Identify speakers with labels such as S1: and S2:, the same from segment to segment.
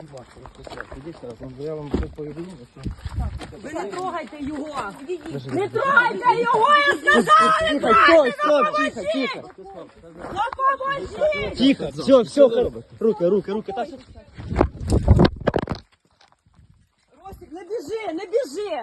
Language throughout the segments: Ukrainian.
S1: будь ласка, Ростислав, ідіть зараз, я вам все повідомлю, що...
S2: Ви не трогайте його! Не трогайте його, я сказала! Не
S1: Тихо,
S2: трогайте!
S1: стоп, тихо, тихо.
S2: Допоможіть!
S1: Тихо, все, руки, так.
S2: Ростик, не біжи, не біжи!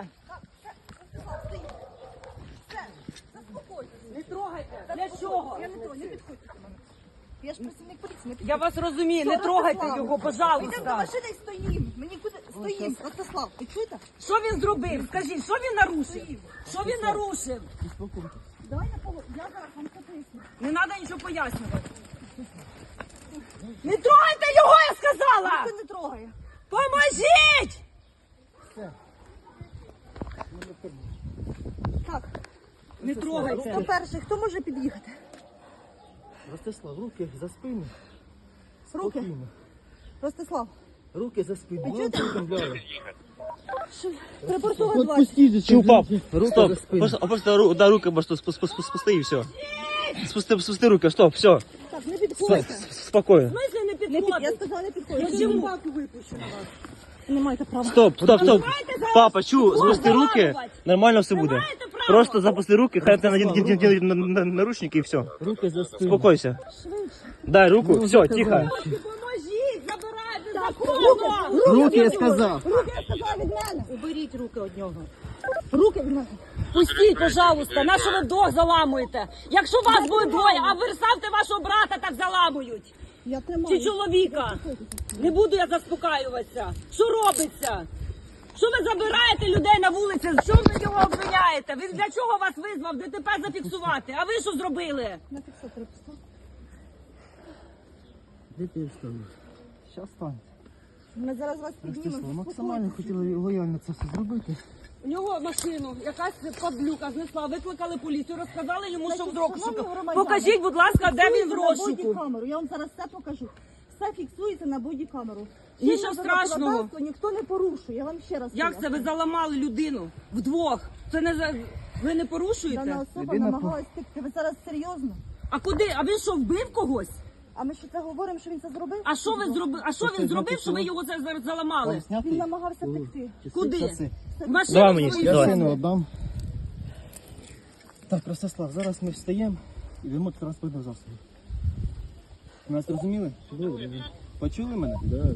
S2: Не трогайте! Для чого?
S3: Я не підходьте до мене. Я ж працівник поліції, не підходьте.
S2: Я вас розумію, не трогайте його,
S3: Йдемо до
S2: пожалуйста.
S3: машини і стоїмо. Мені куди стоїмо? Ростислав, ви чуєте?
S2: Що він зробив? Скажіть, що він нарушив? Що він нарушив?
S3: Давай на полу. Я зараз вам це поясню.
S2: Не треба нічого пояснювати. Не трогайте його, я сказала!
S3: Ніхто не трогає.
S2: Поможіть!
S3: Так,
S2: Не трогайте.
S3: хто перший? Хто може під'їхати?
S1: Ростислав, руки за спину.
S3: Руки.
S1: Спокійно.
S3: Ростислав.
S1: Руки за спину.
S3: А
S1: Я
S3: чого ти?
S1: вам повідомляю.
S3: Припортова 20.
S1: Отпустите.
S4: Чув, пап,
S1: Руки
S4: стоп,
S1: за спину.
S4: просто руки просто спусти і все. Спусти руки, стоп, все,
S3: Так, не підходьте.
S4: спокійно.
S2: В смысле не
S3: Не під... Я
S2: підходить?
S3: сказала, не
S2: Я
S3: підходьте.
S2: собаку випущу на вас.
S3: Не маєте права.
S4: Стоп.
S2: зараз
S4: Папа, чув,
S2: підходь,
S4: спусти руки,
S2: заламувати.
S4: нормально все
S2: Ви
S4: буде.
S2: маєте право.
S4: Просто запусти руки, хай ти надінуть наручники і все.
S1: Руки за спину.
S4: Успокойся. Дай руку, все, тихо.
S2: Поможіть, забирайте законно!
S1: Руки, я сказав.
S3: Руки, я сказала, від мене.
S2: Уберіть руки від нього.
S3: Руки від мене.
S2: Пустіть, пожалуйста, на що ви вдвох заламуєте? Якщо вас буде двоє, а ви ставте вашого брата, так заламують.
S3: Я
S2: Чи
S3: тримаю.
S2: чоловіка. Не буду я заспокаюватися. Що робиться? Що ви забираєте людей на вулиці? Що ви його обвиняєте? Він для чого вас визвав? ДТП зафіксувати. А ви що зробили?
S3: На фіксатор писав.
S1: Де ти встанеш? Щас стань.
S3: Ми зараз вас
S1: Ростислав,
S3: піднімемо.
S1: максимально хотіли лояльно це все зробити.
S2: У нього машину, якась падлюка знесла, викликали поліцію, розказали йому, що в розшуку. Покажіть, будь ласка, де він в розшуку.
S3: Бодікамеру. Я вам зараз все покажу. Все фіксується на бодікамеру.
S2: Нічого
S3: Чинне
S2: страшного.
S3: законодавство ніхто не порушує. Я вам ще раз
S2: Як це ви
S3: поясню.
S2: заламали людину вдвох? Це не за... Ви не порушуєте?
S3: Дана особа
S1: Людина
S3: намагалась втекти. Ви зараз серйозно?
S2: А куди? А він що, вбив когось?
S3: А ми що це говоримо, що він це зробив?
S2: А що ви зробили? А що він зробив, що ви його зараз заламали?
S3: Він намагався втекти.
S2: Куди?
S1: Часи.
S2: В машину
S4: Давай мені,
S2: свою
S4: давай.
S2: сяде.
S1: Сину віддам. Так, Ростислав, зараз ми встаємо і йдемо до транспортного засобу. Нас зрозуміли? Почули мене? Так.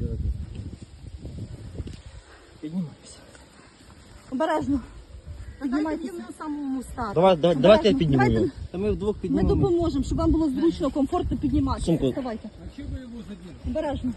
S1: Піднімайся.
S3: Обережно. Піднімайтеся. Піднімайте на самому старті.
S4: Давайте я підніму його.
S1: Та ми вдвох
S3: Ми
S1: піднімемо.
S3: допоможемо, щоб вам було зручно, комфортно підніматися.
S4: Сумку.
S3: Вставайте.
S5: А чего вы его задели?
S3: Обережно.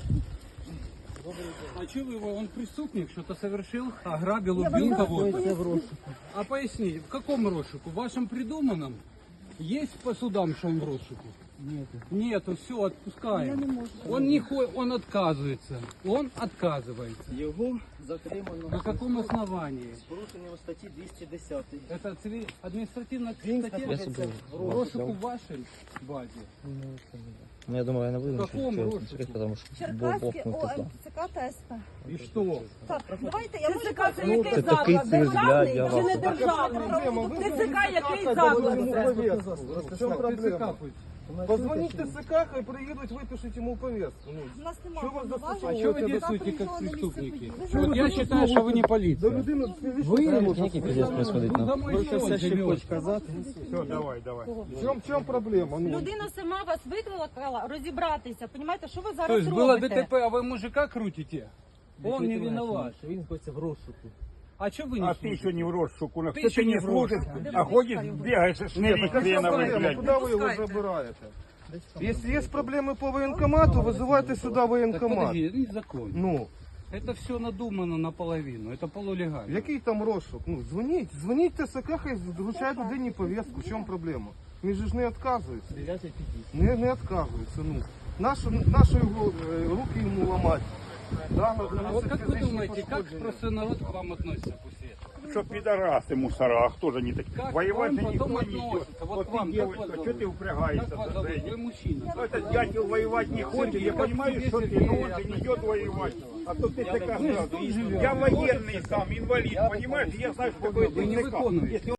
S5: А чего вы его? Он преступник, что-то совершил, ограбил,
S3: Я
S5: убил
S3: вам
S5: кого-то.
S1: Це в розшуку.
S5: А поясните, в каком розшуку? В вашем придуманном? Есть по судам, что он в розшуку?
S1: Ні.
S5: Нету, все,
S3: Я
S5: отпускаем.
S3: не можу.
S5: Он не он отказывается. Он отказывается.
S1: Його затримано.
S5: На каком основании?
S1: З порушенням статті 210.
S5: Это административная
S1: Він
S5: статья
S1: знаходиться
S5: в
S1: в
S5: розшуку в вашей базе.
S4: Ну, я думаю, я не буду
S5: Какому
S4: нічого
S5: розшуку?
S4: чекати, тому що
S3: Черкаське
S4: Бог не
S3: ОМЦК та СП.
S5: И что?
S3: Так, давайте, я можу
S2: ТЦК це який
S4: Це такий
S2: заклад?
S4: цирк для
S2: Державний чи
S4: вас.
S2: не державний? ТЦК який заклад?
S6: В чем проблема?
S5: пусть.
S6: Позвонить ТСК, хай приедут, выпишите ему повестку. Ну,
S3: У нас немає
S6: Що ви
S3: повноважень.
S5: А что вы
S3: Завтра
S5: действуете
S3: нічого
S5: как
S3: на місці
S5: преступники?
S3: події.
S5: Вот я считаю, что вы не
S6: до
S5: полиция.
S6: людини
S4: Який пиздец происходит
S5: Ну,
S4: там?
S5: за мой счет живет.
S1: казати.
S6: Все, давай. В чем проблема? Ну,
S7: Людина сама вас викликала розібратися. Понімаєте, що ви
S5: То
S7: зараз
S5: есть было
S7: робите?
S5: ДТП, а вы мужика крутите? Он не виноват.
S1: Він знаходиться в розшуку.
S5: А что вы не
S8: А ты
S5: слушаете?
S8: еще не в розшуку,
S5: Ты
S8: кто
S5: еще
S8: ты
S5: не
S8: не
S5: в
S8: служишь, а ходишь, бегаешь, шнырик хреновый, блядь.
S6: Куда вы его забираете? Если есть проблемы по военкомату, вызывайте сюда
S5: Так
S6: военкомат.
S5: подожди, это незаконно.
S6: Ну,
S5: Это все надумано наполовину, это полулегально.
S6: який там розшук? Ну, дзвоніть ТСК, хай вручають людині повестку. В чому проблема? Він же ж не відказується. Не відказується, ну. Наші його, руки йому ламати. Да,
S5: А вот как вы думаете, как простой народ к вам относится после этого?
S8: Что пидорасы мусора, а кто же не такие?
S5: Как
S8: Воевать
S5: к
S8: же
S5: вам
S8: никто
S5: потом
S8: не идет.
S5: относятся? Вот
S8: Вот
S5: к вам,
S8: ты,
S5: как
S8: девочка,
S5: вас
S8: что
S5: зовут?
S8: ты упрягаешься?
S5: Как вас зовут? Вы мужчина.
S8: Ну, этот дятел воевать не хочет, я понимаю, что ты, но он же не идет воевать. А то ты такая сразу. Я военный сам, инвалид, понимаешь? Я знаю, что такое
S5: Вы не
S8: ТЦК.
S5: выполняете.
S8: Если